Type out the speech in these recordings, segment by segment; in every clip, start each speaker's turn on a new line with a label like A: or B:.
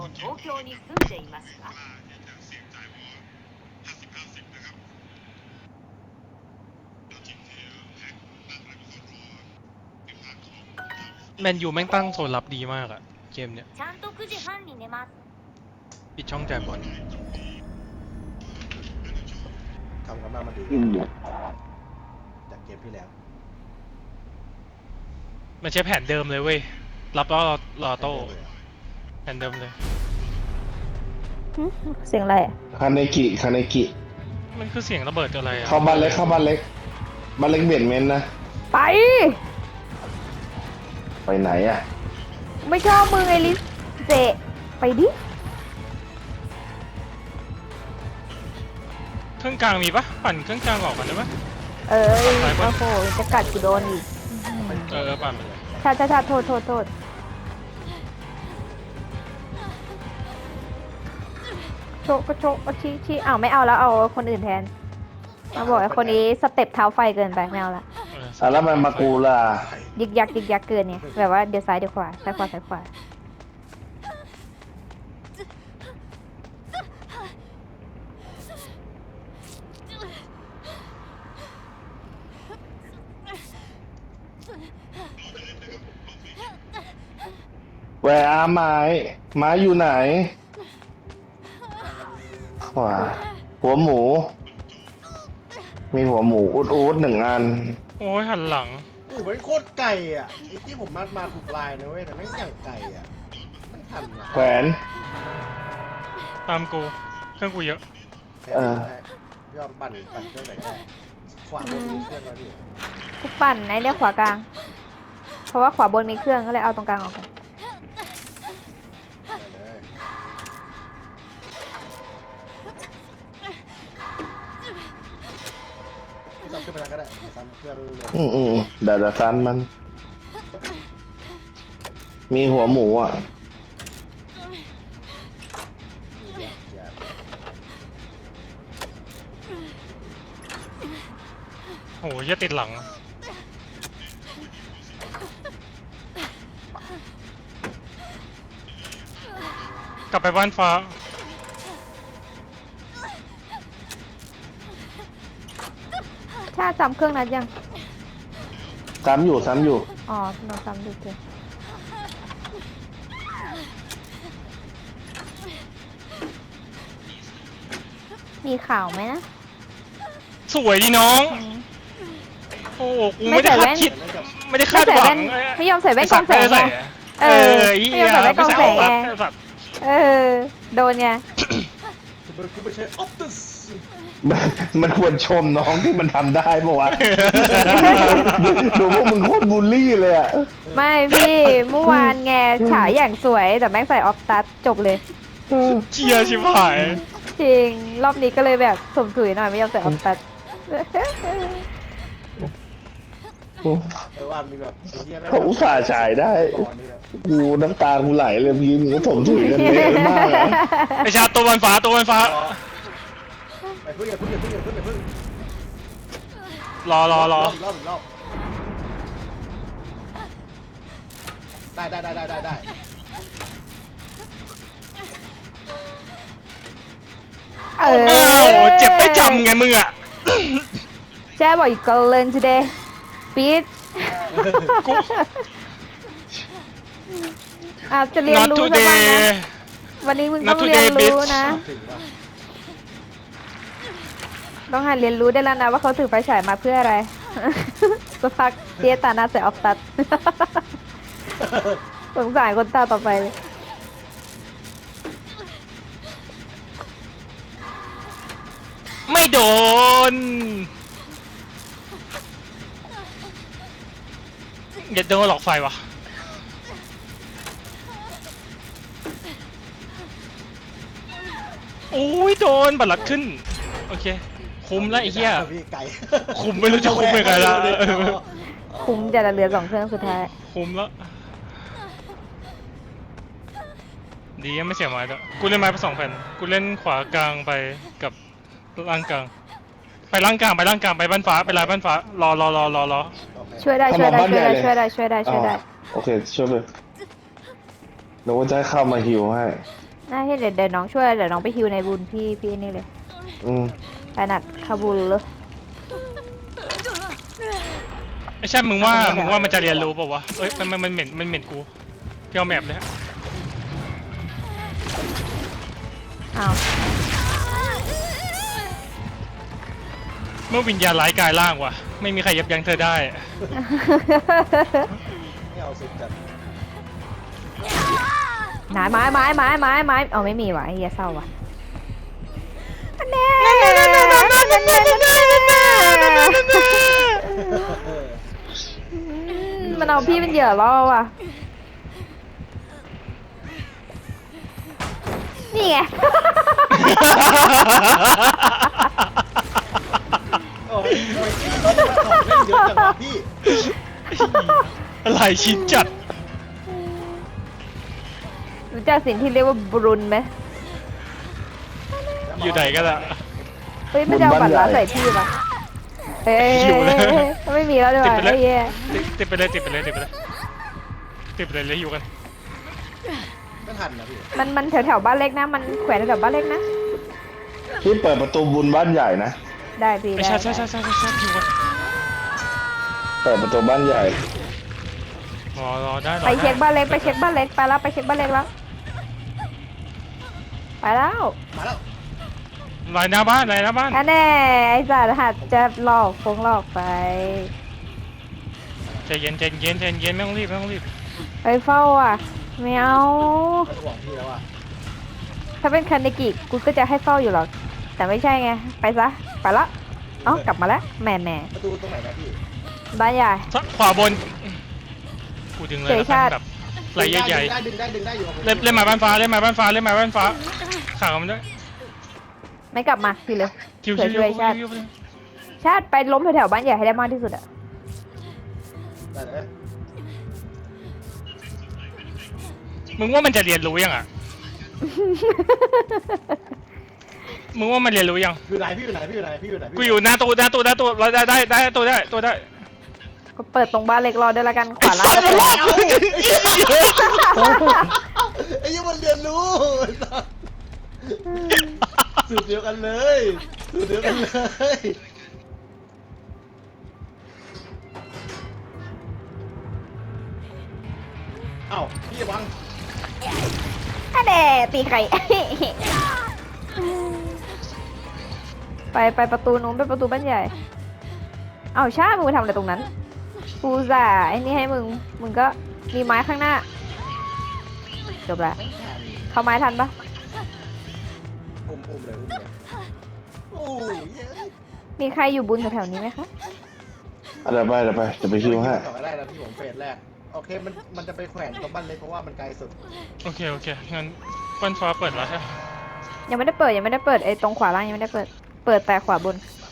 A: 東京に住んでいますか
B: แมนยูแม่งตั้งโซนรับดีมากอะเกมเนี้ย
A: ちゃんと9時半に寝ます
B: ปิดช่องจ่ายบอล
C: ทำกันมาดีจากเกมที่แล้ว
B: มันใช้แผนเดิมเลยเว้ยรับแล้วรอโต้แผนเดิมเลย
D: เสียงอะไรอะ
E: คาเนกิ
B: มันคือเสียงระเบิดอะไรอะ
E: เข้าบ้านเล็กบ้านเล็กเบียดเมนนะ
D: ไป
E: ไปไหนอ่ะ
D: ไม่ชอบมึงไอลิสเจไปดิ
B: เครื่องกลางมีปะปั่นเครื่องกลางออกกันได้ปะ
D: เอ้ยโอ้โหจะกัดกูโดนอีก
B: ปั่นไปเลย
D: ชาโทษโชก็โชก็ชี้อ้าวไม่เอาแล้วเอาคนอื่นแทนมาบอกไอ้คนนี้สเต็ปเท้าไฟเกินไปไม่เอาละ
E: แล้วมันมากูล่ะ
D: ยึกยักเกินเนี่ยแบบว่าเดี๋ยวซ้ายเดี๋ยวขวาซ้ายขวา
E: แหวะไม้อยู่ไหนขวาหัวหมู มีหัวหมูอูดหนึ่งอัน
B: โอ้ยหันหลัง
C: มันโคตรไก่อ่ะไอ้ที่ผมมาถูกลายนะเว้ยแต่ไม่อย่างไก่อ่ะไม่ทันอ่ะ
E: แขวน
B: ตามกูเครื่องกูเยอะ
C: ยอมปั่นเครื่องไหนได้ขวาบนมีเครื่องแล้วดิ
D: กูปั่นไอ้เนี่ยขวากลาง เพราะว่าขวาบนมีเครื่องก็เลยเอาตรงกลางออกก่อน
C: ได้เลยไม่ต้องขึ้นไปแล้วก็ได้ซ้ำเครื่องเลย
E: เดี๋ยวซันมัน มีหัวหมูอ่ะ
C: อย่า
B: โอ้ยจะติดหลังกลับไปบ้านฟ้า
D: ชาจำเครื่องนั้นยัง
E: ซ้ำอยู่
D: อ๋อเราจำดูเถอะมีข่าวไหมนะ
B: สวยดีน้อง โอ้กูไม่ได้คาดคิดไม่ได้คาดหวัง
D: ไม่ยอมใส่แว่นกรองแสงไง เออไม่ยอมใส่แว่นกรองแสงไง เออ โดนไง
C: คุณไปใช้ออปติส
E: มันควรชมน้องที่มันทำได้ปะวะ ดูพวกมึงโคตรบูลลี่เลยอ่ะ
D: ไม่พี่ เมื่อวานไงฉายอย่างสวยแต่แม่งใส่ออฟตัสจบเลย
B: เชียร์ชิบหาย
D: จริง รอบนี้ก็เลยแบบสมถุยหน่อยไม่ยอมใส่ออฟตัส
C: ว่ามีแบบ
E: เขาอุตส่าห์ฉายได้ กูน้ำตากูไหลเลยยืนก็ผมถุยกันเยอะมากอะ
B: ไปชาร์จตัวบนฟ้า
C: ไปพึ่งอย่าพึ่ง
B: รอ
C: รอบได้
D: เอ
B: อ้าวเจ็บไม่จำไงมึงอ่ะ
D: แช่บอกอีกก็เล่น today ปี๊ดอาจจะเรียน
B: Not
D: รู้สักวัน
B: today
D: นะ วันนี้มึงต้อง
B: Not
D: เรียน
B: today
D: รู้
B: bitch
D: นะ
C: ถึงว่า
D: ต้องหัดเรียนรู้ได้แล้วนะว่าเขาถือไฟฉายมาเพื่ออะไร สักพักเจ๊ตาหน้าใส่ออฟตัด สงสารคนตาต่อไปเลย
B: ไม่โดนอย่าโดนหลอกไฟวะโอ้ยโดนบัตรลัดขึ้นโอเคคุ้มแล้วไอ้เหี้ย
C: พี่ไก่
B: คุ้มไม่รู้จะคุ้มยังไงละ
D: คุ้มจะเหลือ2 เครื่องสุดท้าย
B: คุ้มแล้วดียังไม่เสียไม้ด้วยกูเล่นไม้ไป2 แผ่นกูเล่นขวากลางไปกับล่างกลางไปล่างกลางไปบ้านฟ้าไปลายบ้านฟ้ารอ
D: ช่วยได้
E: เข้ามาบ้านใหญ่เลย
D: ช่วยได้
E: โอเคช่วยไปหนูจะให้เข้ามาฮิวให้
D: น่าที่เดี๋ยวน้องช่วยเดี๋ยวน้องไปฮิวในบุญพี่นี่เลย
E: อืม
D: ถนัดคาบูลเลย
B: ไอ้ใช่มึงว่ามันจะเรียนรู้เปล่าวะเอ้ยมันเหม็นกูพี่เอาแมปเลยฮะ
D: อ้าว
B: เมื่อวิญญาณร้ายกายร่างว่ะไม่มีใครยับยั้งเธอได้
C: ไม่เอาสุดจัด
D: ไม้เอาไม่มีว่ะไอ้เหี้ยเศร้าว่ะอันแน่มันเอาพี่เป็นเหยื่อล่อว่ะนี่ไง
C: โอ้ยทำไมพี่ต้องมาของเล่นเยอะจังวะพี่
B: อะไรชิ้นจัด
D: รู้จักสิ่งที่เรียกว่าบรุนไหม
B: อยู่ไหนกันอะ
D: เฮ้ยมันจะเอาบัตรลัดใส่พี่ปะเฮ้ย
B: หิวเลย
D: ไม่มีแล้วด้วย
B: ติดไปเลย
D: ไอ้เหี้ย
B: ติดไปเลยเลยอยู่กัน
C: ไม่ทันนะพี่
D: มันแถวบ้านเล็กนะ มันแขวนแถวบ้านเล็กนะ
E: พี่เปิดประตูบุญบ้านใหญ่นะ
D: ได้พี่
B: ไอ้
D: ได้
B: ใช่อยู่กัน
E: เปิดประตูบ้านใหญ่
B: รอได้
D: ไปเช็คบ้านเล็กไปเช็คบ้านเล็กไปแล้วไปเช็คบ้านเล็กแล้วไปแล้ว
C: มาแล้ว
B: ลายหน้าบ้าน
D: แค่แน่ไอ้สัตว์หัดจะหลอกไป
B: ใจเย็นไม่ต้องรีบ
D: ไปเฝ้าอ่ะไม่เอา
C: ไม่ห่วงพี่แล้วอ่ะ
D: ถ้าเป็นคันนิกิกูก็จะให้เฝ้าอยู่หรอกแต่ไม่ใช่ไงไปซะไปละเอ้ากลับมาแล้วแหม่
C: ประตูตรงไหนนะพี่
D: บ้านใหญ่
B: ขวาบนกูดึงเลยแบบไหลใหญ่
C: ดึงได้อยู่
B: เล่นมาบ้านฟ้าขามันด้วย
D: ไม่กลับมาพี่เลย
B: คิว
D: เผื่อช่วยชาติไปล้มแถวๆบ้านใหญ่ให้ได้มากที่สุดอะ
C: ได้เลย
B: มึงว่ามันจะเรียนรู้ยังอ่ะ มึงว่ามันเรียนรู้ยัง
C: อยู่ไหนพี่อยู่ไหน
B: กูอยู่หน้าตู้เราได้ตัวได้
D: ก็เปิดตรงบ้านเล็กรอด้วยละกันขวาล่าง
C: ไอ้ยังมันเรียนรู้สูตรเดียวกันเลยเอ้าพี่วัง
D: อันแน่ตีไข่ ไปประตูนู้นไปประตูบ้านใหญ่เอาชามึงไปทำอะไรตรงนั้นกูจ่าไอ้นี่ให้มึงก็มีไม้ข้างหน้าจบละเข้าไม้ทันปะ
C: อุ้มเลยโอ้ย
D: มีใครอยู่บุญแถวๆนี้ไหมคะ
E: อะไรไปจะไปคิวให้
C: ต่อได้แล้วพี่ผมเฟสแรกโอเคมันจะไปแขวนตรงบ้านเล็กเพราะว่ามันไกลสุด
B: โอเคงั้นบ้านฟ้าเปิดแล้วใช่
D: ยังไม่ได้เปิดไอ้ตรงขวาล่างยังไม่ได้เปิดแต่ขวาบน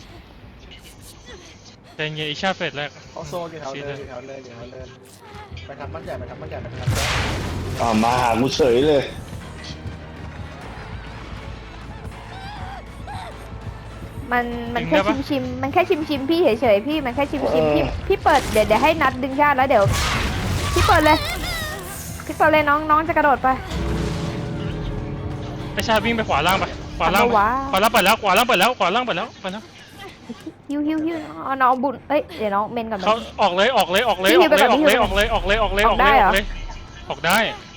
B: แต่เงี้ยอีชาเฟสแรก
C: เขาโซนอยู่แถวเนินไปทำบ้านใหญ่ไปทำบ้านใหญ่
E: มาหากูเฉยเลย
D: มันแค่ชิมมันแค่ชิมพี่เฉยๆพี่มันแค่ชิมพี่เปิดเดี๋ยวให้นัดดึงชาติแล้วเดี๋ยวพี่เปิดเลยน้องจะกระโดดไป
B: ไอชาวิ่งไปขวาล่างไปขวาล่างเปิดแล้วขวาล่างเปิดแล้ว
D: ฮิวเอาน้องบุญเอ้ยเดี๋ยวน้องเมนก่อน
B: เขาออกเลยออกได้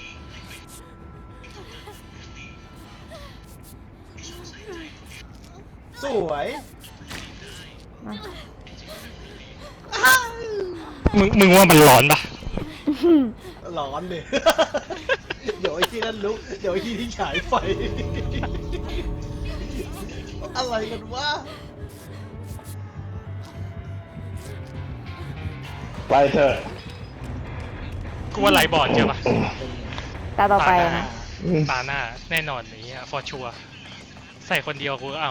C: สวย
B: มึงว่ามันร้อนปะ
C: ร้อนเลย เดี๋ยวไอ้ที่นั่นลุกเดี๋ยวไอ้ที่ฉายไฟ อะไรกันวะ
E: ไปเถอะ
B: กูว่าไหลบอดใช่ปะ
D: ตาต่อไปนะ
B: ตาหน้าแน่นอนนี้ฟอร์ชัวใส่คนเดียวกูเอา